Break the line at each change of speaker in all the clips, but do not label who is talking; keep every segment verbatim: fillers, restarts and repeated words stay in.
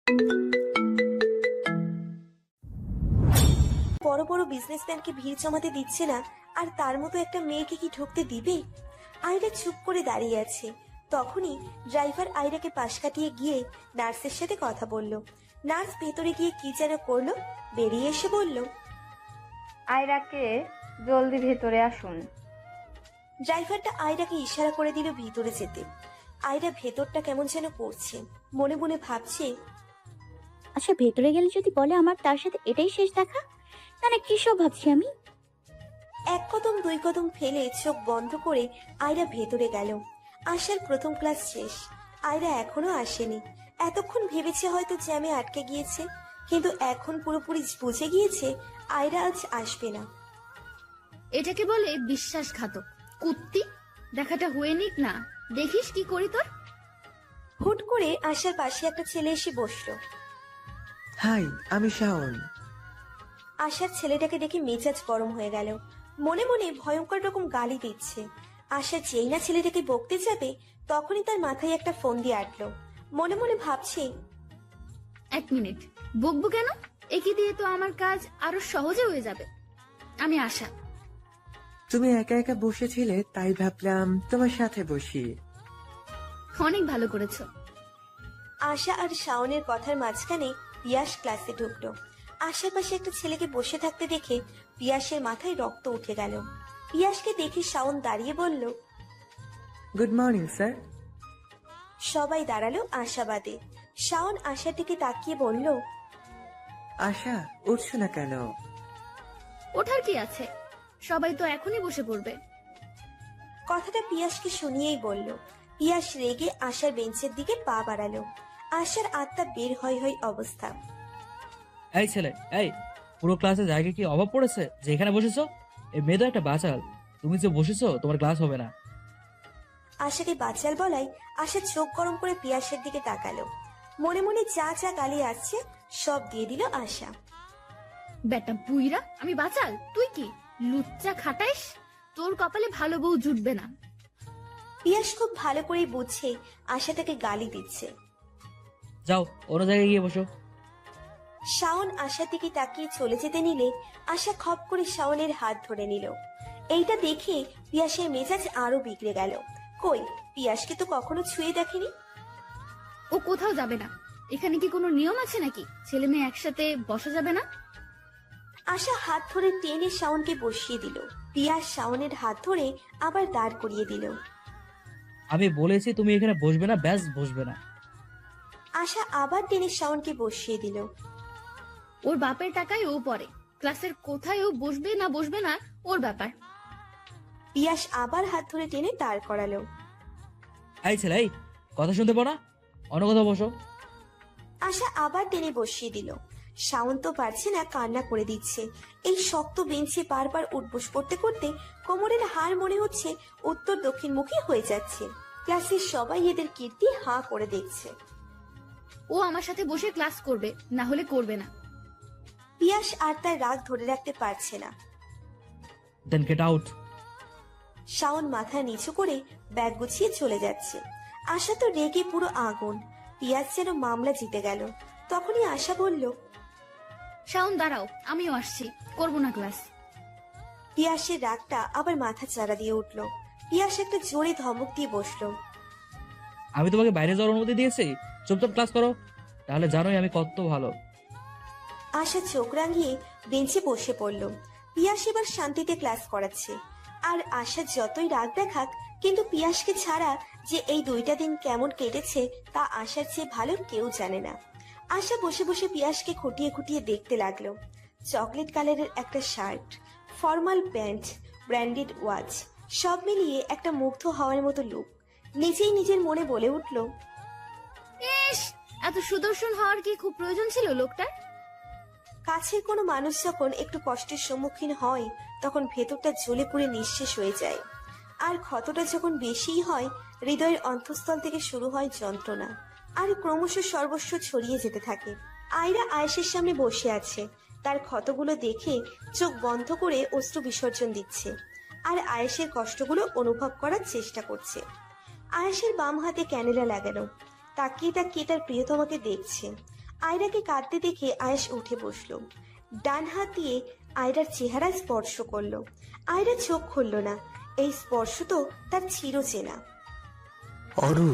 বড় বড় বিজনেসম্যানকে ভিড় জমাতে দিচ্ছে না, আর তার মতো একটা মেয়েকে কি ঢুকতে দিবে? আয়রা চুপ করে দাঁড়িয়ে আছে। তখনই ড্রাইভার আয়রাকে পাশ কাটিয়ে গিয়ে নার্সের সাথে কথা বলল। নার্স ভেতরে গিয়ে কি যেন করলো, বেরিয়ে এসে বলল,
আয়রাকে জলদি ভেতরে আসুন।
ড্রাইভারটা আয়রাকে ইশারা করে দিল ভিতরে যেতে। আয়রা ভেতরটা কেমন যেন করছে, মনে মনে ভাবছে,
আচ্ছা ভেতরে গেলে যদি বলে আমার তার সাথে এটাই শেষ দেখা, তাহলে কি সব ভাবছি আমি।
এক কদম দুই কদম ফেলে চোখ বন্ধ করে আয়রা ভেতরে গেল। আশার প্রথম ক্লাস শেষ, আয়রা এখনো আসেনি। এতক্ষণ ভেবেছে হয়তো জ্যামে আটকে গিয়েছে, কিন্তু এখন পুরোপুরি বুঝে গিয়েছে আয়রা আজ আসবে না।
এটাকে বলে বিশ্বাসঘাতক কুত্তি। দেখাটা হয়ে নিক না, দেখিস কি করি তোর।
হুট করে আশার পাশে একটা ছেলে এসে বসলো।
হাই, আমি শাওন।
আশার ছেলেটাকে দেখে মেজাজ গরম হয়ে গেল, মনে মনে ভয়ঙ্কর রকম গালি দিচ্ছে। আশা যেই না ছেলেটাকে বকতে যাবে, তখনই তার মাথায় একটা ফোন দিয়ে আটলো। মনে মনে ভাবছে,
এক মিনিট, বকবো কেন? একে দিয়ে তো আমার কাজ আরো সহজে হয়ে যাবে। আমি আশা।
তুমি একা একা বসেছিলে, তাই ভাবলাম তোমার সাথে বসি।
অনেক ভালো করেছো।
আশা আর শাওনের কথার মাঝখানে পিয়াস ক্লাসে ঢুকলো। আশেপাশে একটা ছেলেকে বসে থাকতে দেখে পিয়াসের মাথায় রক্ত উঠে গেল। পিয়াসকে দেখে শাওন দাঁড়িয়ে বলল,
গুড মর্নিং স্যার।
সবাই দাঁড়ালো আশাবাদে। শাওন আশার দিকে তাকিয়ে বলল,
আশা, উঠছো না কেন?
ওঠার কি আছে, সবাই তো এখনই বসে পড়বে।
কথাটা পিয়াসকে শুনিয়েই বলল। পিয়াস রেগে আশার বেঞ্চের দিকে পা বাড়ালো। আশার আত্মা বের হয় হয় অবস্থা।
এই ছেলে, এই পুরো ক্লাসে জায়গা কি অভাব পড়েছে যে এখানে বসেছো? এই মেয়ে তো একটা বাচাল, তুমি যে বসেছো তোমার ক্লাস হবে না।
আশাকে বাচাল বলাই আশা চোখ গরম করে পিয়াসের দিকে তাকালো। মনে মনে যা যা গালি আসছে সব দিয়ে দিল আশা।
বেটা বুইরা, আমি বাচাল, তুই কি লুচ্চা খাটাইস? তোর কপালে ভালো বউ জুটবে না।
পিয়াস খুব ভালো করেই বুঝছে আশা তাকে গালি দিচ্ছে।
যাও অন্য জায়গায় গিয়ে বসো।
শাওন আশার দিকে তাকিয়ে চলে যেতে নিলে আশা খপ করে শাওনের হাত ধরে নিল। এইটা দেখে পিয়াসের মেজাজ আরো বিগড়ে গেল। কই, পিয়াসকে তো কখনো ছুঁয়ে দেখেনি।
ও কোথাও যাবে না। এখানে কি কোনো নিয়ম আছে নাকি ছেলে মেয়ে একসাথে বসা যাবে না?
আশা হাত ধরে টেনে শাওনকে বসিয়ে দিল। পিয়াস শাওনের হাত ধরে আবার দাঁড় করিয়ে দিল।
আমি বলেছি তুমি এখানে বসবে না, ব্যাস বসবে না।
আশা আবার টেনে শাওনকে বসিয়ে দিল।
ওর বাপের টাকায় ও পড়ে, ক্লাসের কোথায় ও বসবে না বসবে না ওর ব্যাপার।
পিয়াস আবার হাত ধরে টেনে দাঁড় করালো।
এই ছেলে, এই কথা শুনতে পাও না? অন্য কোথাও বসো।
আশা আবার টেনে বসিয়ে দিল। শাওন তো পারছে না, কান্না করে দিচ্ছে। এই শক্ত বেঞ্চে বারবার উঠবোস করতে করতে কোমরের হাড় মনে হচ্ছে উত্তর দক্ষিণমুখী হয়ে যাচ্ছে। ক্লাসের সবাই এদের কীর্তি হাঁ করে দেখছে।
ও আমার সাথে বসে ক্লাস করবে, না হলে করবে না।
পিয়াস আর তার রাগ ধরে রাখতে পারছে না।
দেন গেট আউট।
শাওন মাথা নিচু করে ব্যাগ গুছিয়ে চলে যাচ্ছে। আশা তো রেগে পুরো আগুন। পিয়াস যেন মামলা জিতে গেল। তখনই আশা বলল,
শাওন দাঁড়াও, আমিও আসছি, করবো না ক্লাস।
পিয়াসের রাগটা আবার মাথা চারা দিয়ে উঠল। পিয়াস একটা জোরে ধমক দিয়ে বসলো।
আমি তোমাকে বাইরে যাওয়ার অনুমতি দিয়েছি, চুপচাপ ক্লাস করো, তাহলে জানোই আমি কত ভালো।
আশা চোখ রাঙিয়ে বেঞ্চে বসে পড়ল। পিয়াস এবার শান্তিতে ক্লাস করাচ্ছে। আর আশা যতই রাগ দেখাক, কিন্তু পিয়াসকে ছাড়া যে এই দুইটা দিন কেমন কেটেছে তা আশার চেয়ে ভালো কেউ জানে না। আশা বসে বসে পিয়াসকে খুঁটিয়ে খুঁটিয়ে দেখতে লাগলো। চকলেট কালারের একটা shirt, formal pant, branded watch, সব মিলিয়ে একটা মুগ্ধ হওয়ার মতো লুক। নিজেই নিজের মনে বলে উঠল,
ইস, এত সুদর্শন হওয়ার কি খুব প্রয়োজন ছিল লোকটার?
কাছের কোনো মানুষ যখন একটু কষ্টের সম্মুখীন হয়, তখন ভেতরটা জ্বলে পুড়ে নিঃশেষ হয়ে যায়। আর ক্ষতটা যখন বেশিই হয়, হৃদয়ের অন্তঃস্থল থেকে শুরু হয় যন্ত্রণা, আর ক্রমশ সর্বস্ব ছড়িয়ে যেতে থাকে। আয়রা আয়েশের সামনে বসে আছে। তার ক্ষতগুলো দেখে চোখ বন্ধ করে অশ্রু বিসর্জন দিচ্ছে, আর আয়েশের কষ্টগুলো অনুভব করার চেষ্টা করছে। আয়েশের বাম হাতে ক্যানেলা লাগানো, তাকিয়ে তাকিয়ে তার প্রিয়তমাকে দেখছে। আয়রাকে কাঁদতে দেখে আয়েশ উঠে বসলো। ডান হাত দিয়ে আয়রার চেহারা স্পর্শ করলো। আয়রা চোখ খুলল না। এই স্পর্শ তো তার চিরচেনা।
অরু,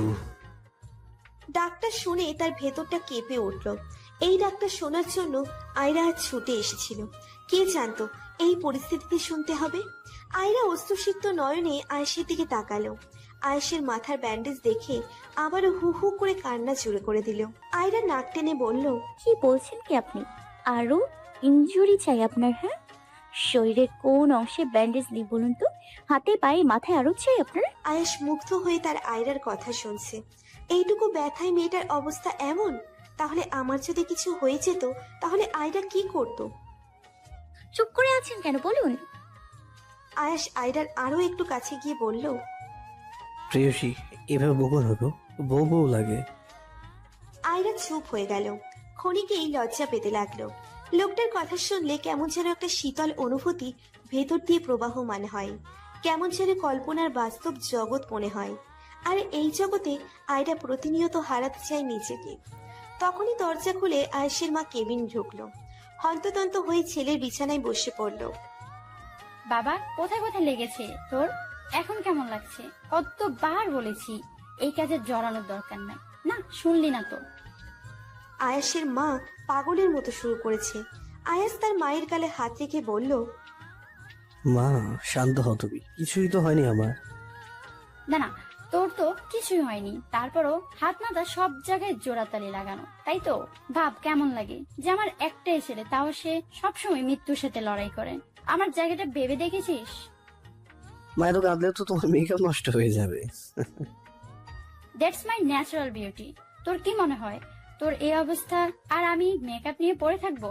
ডাক্তার শুনে তার ভেতরটা কেঁপে উঠল। এই ডাক্তার শোনার জন্য আয়রা আজ ছুটে এসেছিল। কে জানতো এই পরিস্থিতিতে শুনতে হবে। আয়রা অশ্রুসিক্ত নয়নে আয়েশের দিকে তাকালো। আয়েশের মাথার ব্যান্ডেজ দেখে আবারও হু হু করে কান্না জুড়ে করে দিল। আয়রা নাক টেনে বলল,
কি বলছেন কি আপনি? আরো ইনজুরি চাই আপনার? হ্যাঁ, শরীরের কোন অংশে ব্যান্ডেজ নেই বলুন তো? হাতে পায়ে মাথায় আরো চাই আপনার?
আয়েশ মুগ্ধ হয়ে তার আয়রার কথা শুনছে। এইটুকু ব্যথায় মেয়েটার অবস্থা এমন। তাহলে আমার যদি কিছু হয়ে যেত তাহলে আয়রা কি করত?
চুপ করে আছেন কেন বলুন?
আয়েশ আয়রার আরো একটু কাছে গিয়ে বলল,
প্রেয়সী, এভাবে বকো না গো, বউ বউ লাগে।
আয়রা চুপ হয়ে গেল। ক্ষণিকেই লজ্জা পেতে লাগলো। লোকটার কথা শুনলে কেমন যেন একটা শীতল অনুভূতি ভেতর দিয়ে প্রবাহমান হয়। কেমন যেন কল্পনার বাস্তব জগৎ মনে হয়। আর এই জগতে আয়রা প্রতিনিয়ত হারাতে চায় নিজেকে। তখনই দরজা খুলে আয়েশের মা কেবিন ঢুকলো। হন্ততন্ত হয়ে ছেলের বিছানায় বসে পড়ল।
বাবা, কোথায় কোথায় লেগেছে তোর? এখন কেমন লাগছে? কতবার বলেছি এই কাজে জড়ানোর দরকার নাই। না, শুনলি না তো।
আয়াসের মা পাগলের মতো শুরু করেছে। আয়াস তার মায়ের গালে হাত রেখে বলল,
মা, শান্ত হও তুমি, কিছুই তো হয়নি আমার।
না না, তোর তো কিছুই হয়নি। তারপরও হাত মাথা সব জায়গায় জোড়াতালি লাগানো, তাই তো? ভাব কেমন লাগে যে আমার একটাই ছেলে, তাও সে সবসময় মৃত্যুর সাথে লড়াই করে। আমার জায়গাটা ভেবে দেখেছিস?
মায়ের তো কাঁদলে তো তোমার মেকআপ নষ্ট হয়ে যাবে।
That's my natural beauty. তোর কি মনে হয় তোর এই অবস্থা আর আমি মেকআপ নিয়ে পড়ে থাকবো?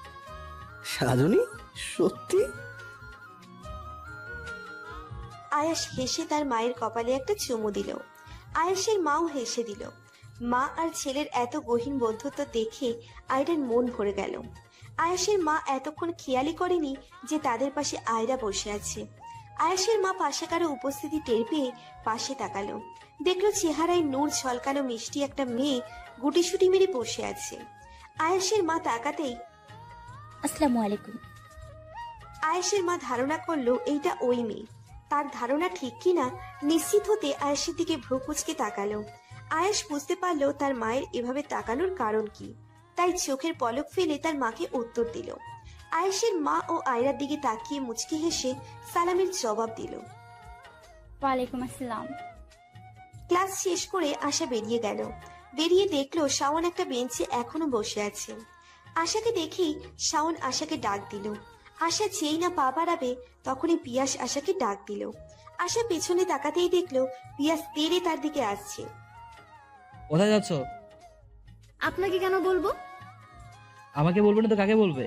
সাজনী, সত্যি?
আয়াস হেসে তার মায়ের কপালে একটা চুমু দিল। আয়াসের মাও হেসে দিল। মা আর ছেলের এত গহীন বন্ধুত্ব দেখে আয়রার মন ভরে গেল। আয়াসের মা এতক্ষণ খেয়ালই করেনি যে তাদের পাশে আয়রা বসে আছে। আয়াসের মা পাশে কারো উপস্থিতি টের পেয়ে পাশে তাকালো। দেখলো চেহারায় নূর ঝলকানো মিষ্টি একটা মেয়ে গুটিসুটি মেরে বসে আছে। আয়াসের মা তাকাতেই
আসসালামু আলাইকুম।
আয়েশের মা ধারণা করলো এইটা ওই মেয়ে। তার ধারণা ঠিক কিনা নিশ্চিত হতে আয়েশের দিকে ভ্রু কুঁচকে তাকালো। আয়েশ বুঝতে পারলো তার মায়ের এভাবে তাকানোর কারণ কি। তাই চোখের পলক ফেলে তার মাকে উত্তর দিল। আয়েশের মা ও আয়রার দিকে তাকিয়ে মুচকি হেসে সালামের জবাব দিল।
ওয়ালাইকুম আসসালাম।
ক্লাস শেষ করে আশা বেরিয়ে গেল। বেরিয়ে দেখলো শাওন একটা বেঞ্চে এখনো বসে আছে। আশাকে দেখেই শাওন আশাকে ডাক দিল। আশা যেই না পা বাড়াবে তখনই পিয়াস আশাকে ডাক দিল। আশা পেছনে তাকাতেই দেখলো পিয়াস তেড়ে তার দিকে আসছে।
কোথায় যাচ্ছ?
আপনাকে কেন বলবো?
আমাকে বলবে না তো কাকে বলবে?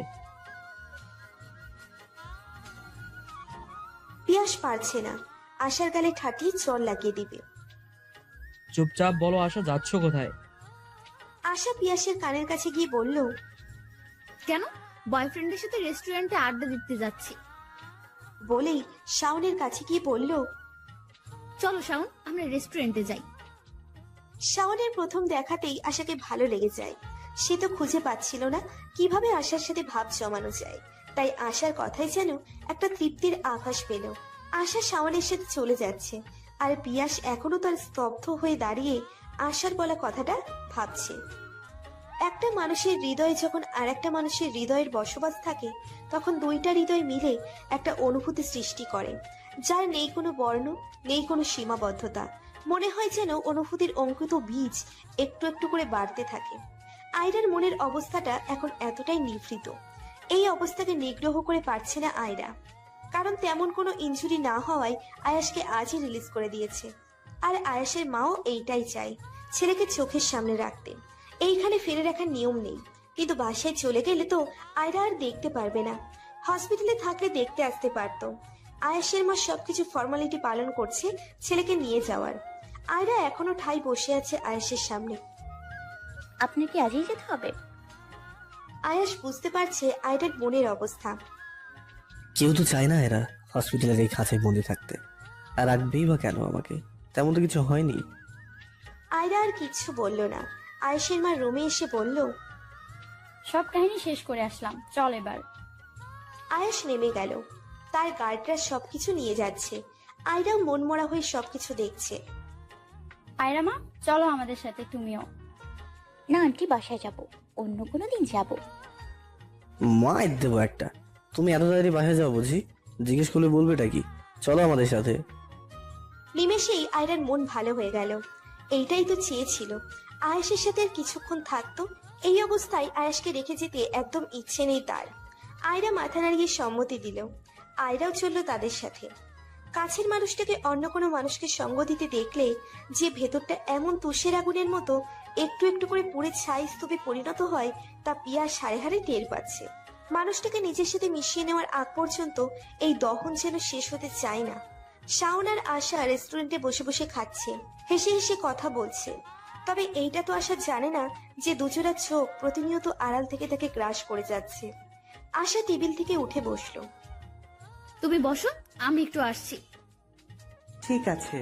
পিয়াস পারছে না, আশার গালে ঠাটিয়ে চর লাগিয়ে দিবে।
চুপচাপ বলো আশা, যাচ্ছ কোথায়?
আশা পিয়াসের কানের কাছে গিয়ে বলল,
কেন? বয়ফ্রেন্ডের সাথে রেস্টুরেন্টে আড্ডা দিতে যাচ্ছি।
বলেই শাওনের কাছে গিয়ে বলল,
চলো শাওন, আমরা রেস্টুরেন্টে যাই।
শাওনের প্রথম দেখাতেই আশাকে ভালো লেগে যায়। সে তো খুঁজে পাচ্ছিল না কিভাবে আশার সাথে ভাব জমানো যায়। তাই আশার কথাই যেন একটা তৃপ্তির আভাস পেল। আশা শাওনের সাথে চলে যাচ্ছে, আর পিয়াস এখনো তার স্তব্ধ হয়ে দাঁড়িয়ে আশার বলা কথাটা ভাবছে। একটা মানুষের হৃদয়ে যখন আর একটা মানুষের হৃদয়ের বসবাস থাকে, তখন দুইটা হৃদয় মিলে একটা অনুভূতি সৃষ্টি করে, যার নেই কোনো বর্ণ, নেই কোনো সীমাবদ্ধতা। মনে হয় যেন অনুভূতির অঙ্কিত বীজ একটু একটু করে বাড়তে থাকে। আয়রার মনের অবস্থাটা এখন এতটাই নিভৃত। এই অবস্থাকে নিগ্রহ করে পারছে না আয়রা, কারণ তেমন কোনো ইনজুরি না হওয়ায় আয়াসকে আজই রিলিজ করে দিয়েছে। আর আয়াসের মাও এইটাই চায়, ছেলেকে চোখের সামনে রাখতে। এইখানে ফেলে রাখার নিয়ম নেই, কিন্তু বাসায় চলে গেলে তো আয়রা আর দেখতে পারবে না। হসপিটালে থাকলে দেখতে আসতে পারতো। আয়াসের মা সবকিছু ফর্মালিটি পালন করছে ছেলেকে নিয়ে যাওয়ার। আয়রা এখনো ঠাই বসে আছে আয়াসের সামনে।
আপনার কি আজই যেতে হবে?
আয়াস বুঝতে পারছে আয়রার মনের অবস্থা।
কেউ তো চায় না এরা হসপিটালের এই খাঁচায় বন্দি থাকতে। আর রাখবেই বা কেন আমাকে? তেমন তো কিছু হয়নি।
আয়রা আর কিচ্ছু বলল না। আয়েশের মা রুমে এসে বলল,
সব কাহিনী শেষ করে আসলাম, চল এবার।
আয়াস নেমে গেল। তার গার্ডরা সবকিছু নিয়ে যাচ্ছে। আয়রাও মনমরা হয়ে সবকিছু দেখছে।
আয়রা মা, চলো আমাদের সাথে তুমিও।
না আন্টি, বাসায় যাব, অন্য কোনো দিন যাব।
মায়ের দেবো একটা। তুমি এত তাড়াতাড়ি বাসায় যাও বুঝি? জিজ্ঞেস করলে বলবেটা কি? চলো আমাদের সাথে।
নিমেষেই আয়রার মন ভালো হয়ে গেল। এইটাই তো চেয়েছিল, আয়াসের সাথে আর কিছুক্ষণ থাকতো। এই অবস্থায় আয়াসকে রেখে যেতে একদম ইচ্ছে নেই তার। আয়রা মাথা নাড়িয়ে সম্মতি দিল। আয়রাও চলল তাদের সাথে। কাছের মানুষটাকে অন্য কোনো মানুষকে সঙ্গ দিতে দেখলে যে ভেতরটা এমন তুষের আগুনের মতো একটু একটু করে পুড়ে ছাই স্তূপে পরিণত হয়, তা পিয়া সাড়ে হারে টের পাচ্ছে। মানুষটাকে নিজের সাথে মিশিয়ে নেওয়ার আগ পর্যন্ত এই দহন যেন শেষ হতে চায় না। শাওন আর আশা রেস্টুরেন্টে বসে বসে খাচ্ছে, হেসে হেসে কথা বলছে। তবে এইটা তো আশা জানে না যে দুজোড়া চোখ প্রতিনিয়ত আড়াল থেকে তাকে গ্রাস করে যাচ্ছে। আশা টেবিল থেকে উঠে বসলো।
তুমি বসো, আমি একটু আসছি।
ঠিক আছে।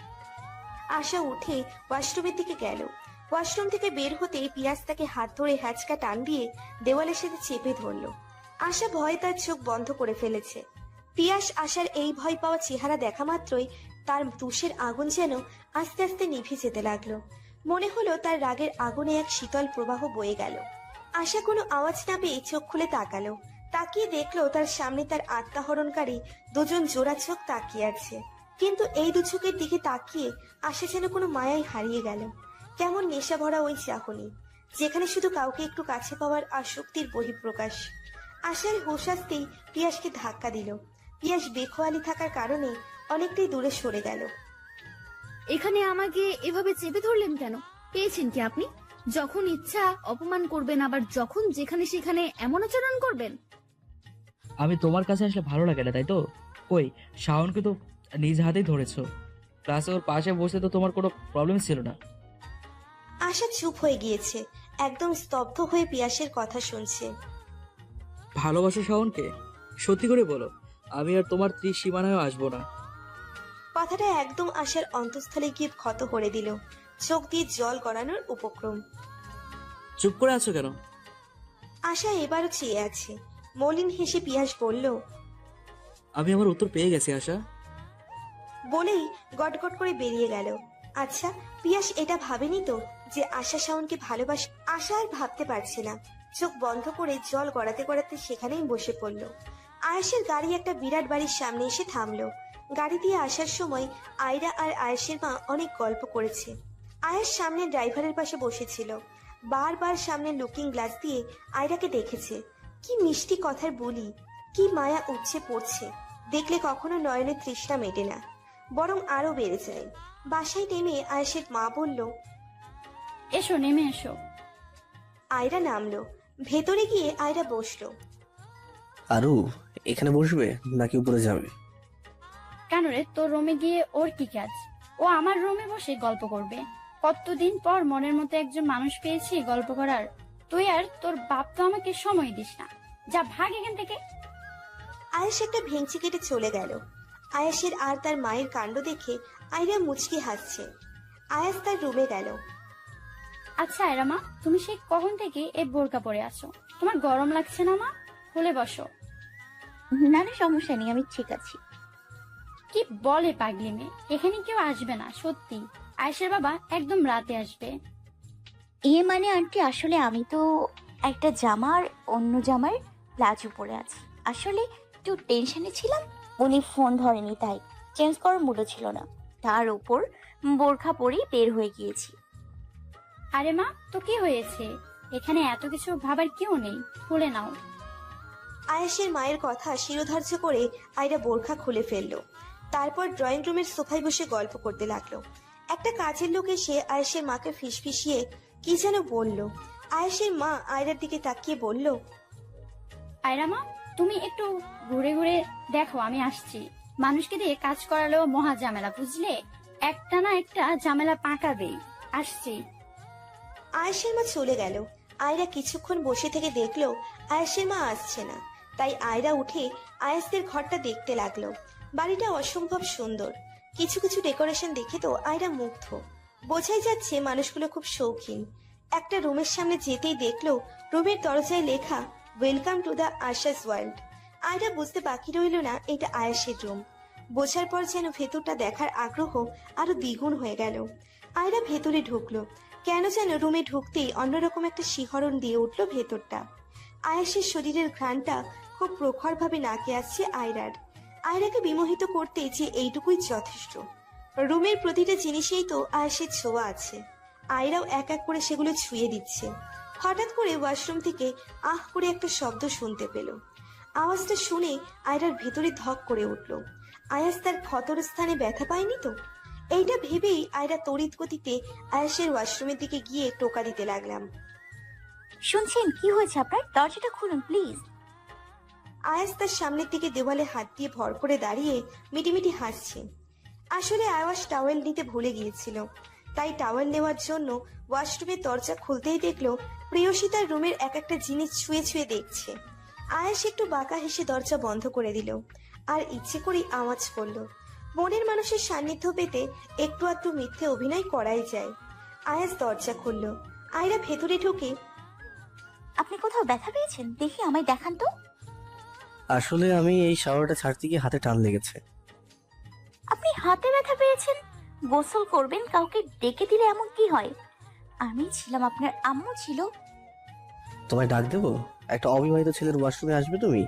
আশা উঠে ওয়াশরুমের দিকে গেল। ওয়াশরুম থেকে বের হতেই পিয়াস তাকে হাত ধরে হ্যাচকা টান দিয়ে দেওয়ালের সাথে চেপে ধরলো। আশা ভয়ে তার চোখ বন্ধ করে ফেলেছে। পিয়াস আশার এই ভয় পাওয়া চেহারা দেখা মাত্রই তার তুষের আগুন যেন আস্তে আস্তে নিভে যেতে লাগলো। মনে হলো তার রাগের আগুনে এক শীতল প্রবাহ বয়ে গেল। আশা কোনো আওয়াজ না পেয়ে চোখ খুলে তাকালো। তাকিয়ে দেখলো তার সামনে তার আত্মাহরণকারী দুজন জোড়া চোখ তাকিয়ে আছে। কিন্তু এই দু চোখের দিকে তাকিয়ে আশা যেন কোনো মায়ায় হারিয়ে গেল। কেমন নেশা ভরা ওই চাহনি, যেখানে শুধু কাউকে একটু কাছে পাওয়ার আসক্তির বহিঃপ্রকাশ। আশার হুঁশ আসতেই পিয়াসকে ধাক্কা দিল। পিয়াস বেখোয়ালি থাকার কারণে অনেকটাই দূরে সরে গেল।
এখানে আমাকে এভাবে চেপে ধরলেন কেন? পেয়েছেন কি আপনি? যখন ইচ্ছা অপমান করবেন, আবার যখন যেখানে সেখানে এমন আচরণ করবেন।
আমি তোমার কাছে আসলে ভালো লাগে না, তাই তো? কই, শাওনকে তো নিজ হাতেই ধরেছো। ক্লাসে ওর পাশে বসে তো তোমার কোনো প্রবলেম ছিল না।
আশা চুপ হয়ে গিয়েছে, একদম স্তব্ধ হয়ে পিয়াসের কথা শুনছে।
ভালোবাসো শাওনকে? সত্যি করে বলো, আমি আর তোমার ত্রিসীমানায় আসবো না।
কথাটা একদম আশার অন্তঃস্থলে গিয়ে ক্ষত করে দিল। চোখ দিয়ে জল গড়ানোর উপক্রম।
চুপ করে আছো কেন?
আশা এবারও চেয়ে আছে। মলিন হেসে পিয়াস বলল,
আমি আমার উত্তর পেয়ে গেছি আশা।
বলেই গটগট করে বেরিয়ে গেল। আচ্ছা, পিয়াস এটা ভাবেনি তো যে আশা শাওনকে ভালোবাসে? আশা আর ভাবতে পারছে না। চোখ বন্ধ করে জল গড়াতে গড়াতে সেখানেই বসে পড়ল। আয়েশের গাড়ি একটা বিরাট বাড়ির সামনে এসে থামলো। গাড়ি দিয়ে আসার সময় আয়রা আর আয়েশের মা অনেক গল্প করেছে। আয়েশ সামনে ড্রাইভারের পাশে বসেছিল। বারবার সামনে লুকিং গ্লাস দিয়ে আয়রাকে দেখেছে। কি মিষ্টি কথার বলি, কি মায়া উঠছে পড়ছে। দেখলে কখনো নয়নের তৃষ্ণা মেটে না, বরং আরো বেড়ে যায়। বাসায় নেমে আয়েশের মা বলল,
এসো, নেমে এসো।
আয়রা নামলো। ভেতরে গিয়ে আয়রা বসলো।
আরু, এখানে বসবে নাকি উপরে যাবে?
কেন রে, তোর রুমে গিয়ে ওর কি কাজ? ও আমার রুমে বসে গল্প করবে। কতদিন পর মনের মতো একজন মানুষ পেয়েছি গল্প করার। তুই আর তোর বাপ তো আমাকে সময় দিস না। যা, ভাগ এখান থেকে।
আয়েশ একটা ভেঙচি কেটে চলে গেল। আয়েশের আর তার মায়ের কাণ্ড দেখে আয়রা মুচকি হাসছে। আয়াস তার রুমে গেল।
আচ্ছা আয়রা মা, তুমি সেই কখন থেকে এই বোরকা পরে আছো? তোমার গরম লাগছে না মা? খুলে বসো।
না না, সমস্যা নেই, আমি ঠিক আছি।
কি বলে পাগলি মেয়ে, এখানে কেউ আসবে না সত্যি। আয়েশের বাবা একদম রাতে আসবে।
এ মানে আন্টি, আসলে আমি তো একটা জামার অন্য জামার প্লাজো পরে আছি। আসলে একটু টেনশনে ছিলাম, উনি ফোন ধরেনি তাই চেঞ্জ করার মুডও ছিল না। তার উপর বোরখা পরেই বের হয়ে গিয়েছি।
আরে মা, তো কি হয়েছে? এখানে এত কিছু ভাবার কেউ নেই, খুলে নাও।
আয়েশের মায়ের কথা শিরোধার্য করে আয়রা বোরখা খুলে ফেললো। তারপর ড্রয়িং রুমের সোফায় বসে গল্প করতে লাগলো। একটা কাজের লোক এসে আয়েশের মাকে ফিসফিসিয়ে কি যেন বলল। আয়েশের মা আয়রার দিকে তাকিয়ে বলল,
আয়রা মা, তুমি একটু ঘুরে ঘুরে দেখো, আমি আসছি। মানুষকে দিয়ে কাজ করালেও মহা ঝামেলা, বুঝলে? একটা না একটা ঝামেলা পাকাবেই। আসছি।
আয়েশের মা চলে গেল। আয়রা কিছুক্ষণ বসে থেকে দেখলো আয়েশের মা আসছে না। তাই আয়রা উঠে আয়েশদের ঘরটা দেখতে লাগলো। বাড়িটা অসম্ভব সুন্দর। কিছু কিছু ডেকোরেশন দেখে তো আয়রা মুগ্ধ। বোঝাই যাচ্ছে মানুষগুলো খুব শৌখিন। একটা রুমের সামনে যেতেই দেখলো রুমের দরজায় লেখা welcome to the Asha's world. Ayra বুঝতে বাকি রইল না এটা আয়াসের রুম। বোঝার পর যেন ভেতরটা দেখার আগ্রহ আরো দ্বিগুণ হয়ে গেল। আয়রা ভেতরে ঢুকলো। কেন যেন রুমে ঢুকতেই অন্যরকম একটা শিহরণ দিয়ে উঠলো ভেতরটা। আয়াসের শরীরের ঘ্রাণটা খুব প্রখরভাবে নাকে আসছে আয়রার। আয়রাকে বিমোহিত করতে যে এইটুকুই যথেষ্ট। রুমের প্রতিটা জিনিসেই তো আয়াসের ছোঁয়া আছে। আয়রাও এক এক করে সেগুলো ছুঁয়ে দিচ্ছে। হঠাৎ করে ওয়াশরুম থেকে আহ করে একটা শব্দ শুনতে পেল। আওয়াজটা শুনে আয়রার ভেতরে ধক করে উঠল। আয়াস তার ক্ষতর স্থানে ব্যথা পায়নি তো? এইটা ভেবেই আয়রা তড়িৎ গতিতে আয়াসের ওয়াশরুমের দিকে গিয়ে টোকা দিতে লাগলাম।
শুনছেন? কি হয়েছে আপনার? দরজাটা খুলুন প্লিজ।
আয়াস তার সামনের দিকে দেওয়ালে হাত দিয়ে ভর করে দাঁড়িয়ে মিটিমিটি হাসছে। আসলে আয়াস টাওয়েল নিতে ভুলে গিয়েছিল, তাই টাওয়েল নেওয়ার জন্য ওয়াশরুমের দরজা খুলতেই দেখলো প্রেয়সী তার রুমের এক একটা জিনিস ছুঁয়ে ছুঁয়ে দেখছে। আয়াস একটু বাঁকা হেসে দরজা বন্ধ করে দিল আর ইচ্ছে করেই আওয়াজ করলো। মনের মানুষের সান্নিধ্য পেতে একটু আধটু মিথ্যে অভিনয় করাই যায়। আয়াস দরজা খুলল। আয়রা ভেতরে ঢুকে,
আপনি কোথাও ব্যথা পেয়েছেন? দেখি আমায় দেখান তো।
আসলে আমি এই শাওয়ারটা ছাড়তে গিয়ে হাতে টান লেগেছে।
আপনি হাতে ব্যথা পেয়েছেন? গোসল করবেন, কাউকে ডেকে দিলে এমন কি হয়? আমি ছিলাম, আপনার আম্মু ছিল।
তোমায় ডাক দেবো? একটা অবিবাহিত ছেলের ওয়াশরুমে আসবে তুমি?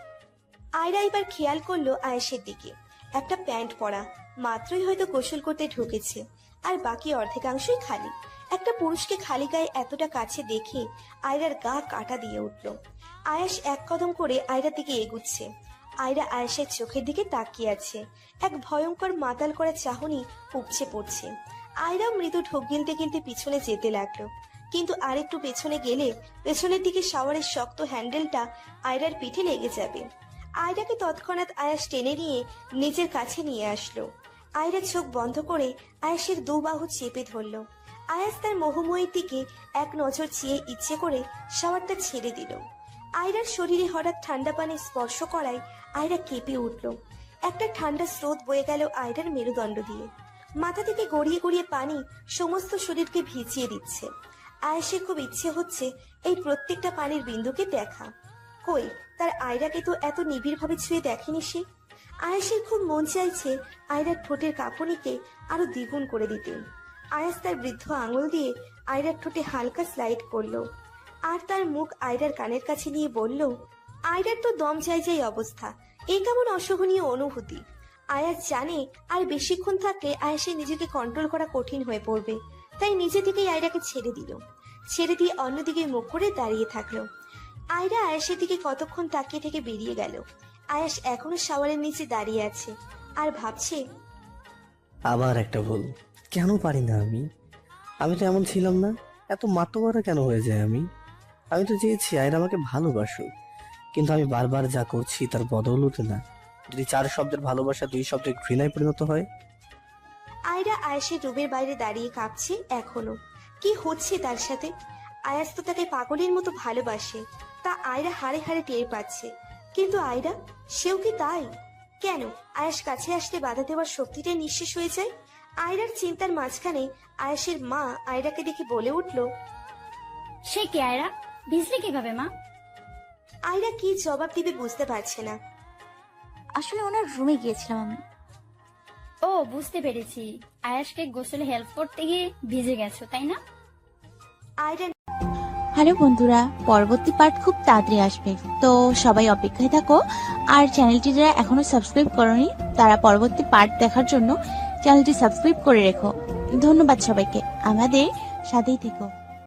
আয়রা এবার খেয়াল করলো আয়েশের দিকে। একটা প্যান্ট পরা, মাত্রই হয়তো গোসল করতে ঢুকেছে, আর বাকি অর্ধেকাংশই খালি। একটা পুরুষকে খালি গায়ে এতটা কাছে দেখে আয়রার গা কাটা দিয়ে উঠল। আয়াস এক কদম করে আয়রার দিকে এগুচ্ছে। আয়রা আয়েশের চোখের দিকে তাকিয়ে আছে। এক ভয়ঙ্কর মাতাল করা চাহনি উপচে পড়ছে। আয়রাও মৃদু ঢোক গিলতে গিলতে পিছনে যেতে লাগলো, কিন্তু আরেকটু পেছনে গেলে পেছনের দিকে শাওয়ারের শক্ত হ্যান্ডেলটা আয়রার পিঠে লেগে যাবে। আয়রাকে তৎক্ষণাৎ আয়াস টেনে নিয়ে নিজের কাছে নিয়ে আসলো। আয়রা চোখ বন্ধ করে আয়াসের দু বাহু চেপে ধরলো। আয়াস তার মোহময়ীর দিকে এক নজর চেয়ে ইচ্ছে করে শাওয়ারটা ছেড়ে দিল। আয়রার শরীরে হঠাৎ ঠান্ডা পানি স্পর্শ করায় আয়রা কেঁপে উঠল। একটা ঠান্ডা স্রোত বয়ে গেল আয়রার মেরুদণ্ড দিয়ে। মাথা থেকে গড়িয়ে গড়িয়ে পানি সমস্ত শরীরকে ভিজিয়ে দিচ্ছে। আয়াসের খুব ইচ্ছে হচ্ছে এই প্রত্যেকটা পানির বিন্দুকে দেখা। কই, তার আয়রাকে তো এত নিবিড় ভাবে ছুঁয়ে দেখেনি সে। আয়াসের খুব মন চাইছে আয়রার ঠোঁটের কাঁপুনিকে আরো দ্বিগুণ করে দিতে। আয়াস তার বৃদ্ধ আঙুল দিয়ে আয়রার ঠোঁটে হালকা স্লাইড করলো, আর তার মুখ আয়রার কানের কাছে নিয়ে বলল, আয়রার তো দম যাই যাই অবস্থা। এই কেমন অসহনীয় অনুভূতি। আয়াস জানে আর বেশিক্ষণ থাকলে আয়াসের নিজেকে কন্ট্রোল করা কঠিন হয়ে পড়বে, তাই নিজে থেকেই আয়রাকে ছেড়ে দিল। ছেড়ে দিয়ে অন্যদিকে মুখ করে দাঁড়িয়ে থাকলো। আয়রা আয়াসের দিকে কতক্ষণ তাকিয়ে থেকে বেরিয়ে গেল। আয়াস এখনো শাওয়ারের নিচে দাঁড়িয়ে আছে আর ভাবছে,
আবার একটা ভুল। কেন পারি না আমি? আমি তো এমন ছিলাম না। এত মাতোয়ারা কেন হয়ে যায় আমি? আমি তো চেয়েছি আয়রা আমাকে ভালোবাসুক, কিন্তু আমি বারবার যা করছি তার বদৌলতে না। যদি চার শব্দের ভালোবাসা দুই শব্দের ঘৃণায় পরিণত হয়।
আয়রা আয়াসের রুমের বাইরে দাঁড়িয়ে কাঁপছে এখনো। কি হচ্ছে তার সাথে? আয়াস তো তাকে পাগলের মতো ভালোবাসে, তা আয়রা হাড়ে হাড়ে টের পাচ্ছে। কিন্তু আয়রা, সেও কি তাই? কেন আয়াস কাছে আসলে বাধা দেওয়ার শক্তিটা নিঃশেষ হয়ে যায়? আয়রার চিন্তার মাঝখানে আয়াসের মা আয়রাকে দেখে বলে উঠল,
সে কে আয়রা? ভিজলে কিভাবে মা?
আয়রা কি জবাব দিবে বুঝতে পারছে না।
আসলে ওনার রুমে গিয়েছিলাম আমি।
ও, বুঝতে পেরেছি। আয়াসকে গোসলে হেল্প করতে গিয়ে ভিজে গেছো, তাই না?
আয়রা
হ্যালো বন্ধুরা, পরবর্তী পার্ট খুব তাড়াতাড়ি আসবে, তো সবাই অপেক্ষায় থাকো। আর চ্যানেলটি যারা এখনো সাবস্ক্রাইব করনি তারা পরবর্তী পার্ট দেখার জন্য চ্যানেলটি সাবস্ক্রাইব করে রেখো। ধন্যবাদ সবাইকে, আমাদের সাথেই থেকো।